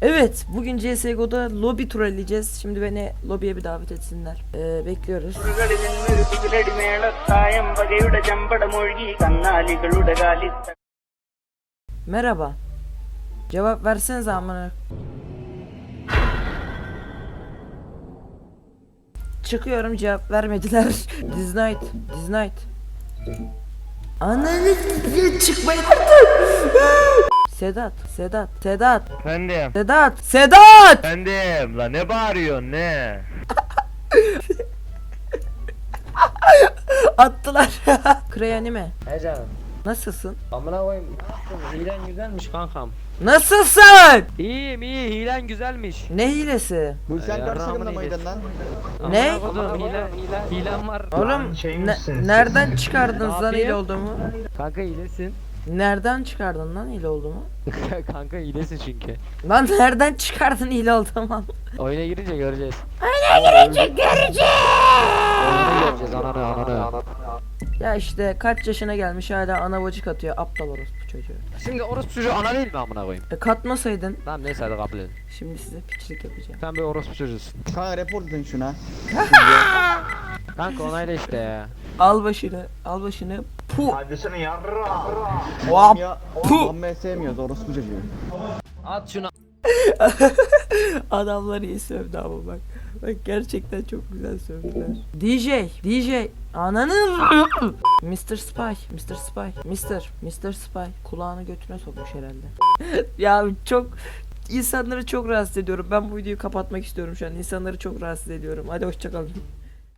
Evet, bugün CSGO'da lobi trolleyeceğiz. Şimdi beni lobiye bir davet etsinler. Bekliyoruz. Merhaba. Cevap versenize amına. Çıkıyorum, cevap vermediler. Disnight. Ananı çıkmayın artık. Sedat. Efendim. Sedat. Efendim. La ne bağırıyorsun ne? Attılar. Kreyanime. He canım. Nasılsın? Amına koyayım. Hilen güzelmiş kankam. Nasılsın? İyiyim iyi hilen güzelmiş. Ne hilesi? Bu sen Ya, karşı Rahman takımda mıydın iyilesi. lan? Ne? Amına koydum hilem var. Oğlum nereden çıkardın Ne lan yapayım? hile olduğumu? Kanka hilesin. Nereden çıkardın lan hile olduğumu? Kanka hilesin çünkü. Lan nereden çıkardın hile olduğumu? Oyuna girince göreceğiz. Göreceğiz. Oyuna göreceğiz ananı. Ya işte kaç yaşına gelmiş hala ana bacık atıyor, aptal orospu çocuğu. Şimdi orospu çocuğu ana değil mi amına koyayım? Katmasaydın Tamam neyse hadi kabul edin. şimdi size piçlik yapacağım. Sen bir orospu çocuğusun. Kanka report edin şuna. Kanka onayla işte ya. Al başını. Pu. Hadi sana yarra. Vap. Ya Puh! Muhammed sevmiyoruz orospu çocuğu. At şunu. Adamlar iyi sövdü ama bak. Bak gerçekten çok güzel sövdüler. DJ. Ananı. Mr. Spy. Kulağını götüne sokmuş herhalde. Ya çok insanları çok rahatsız ediyorum. Ben bu videoyu kapatmak istiyorum şu an. İnsanları çok rahatsız ediyorum. Hadi hoşça kalın.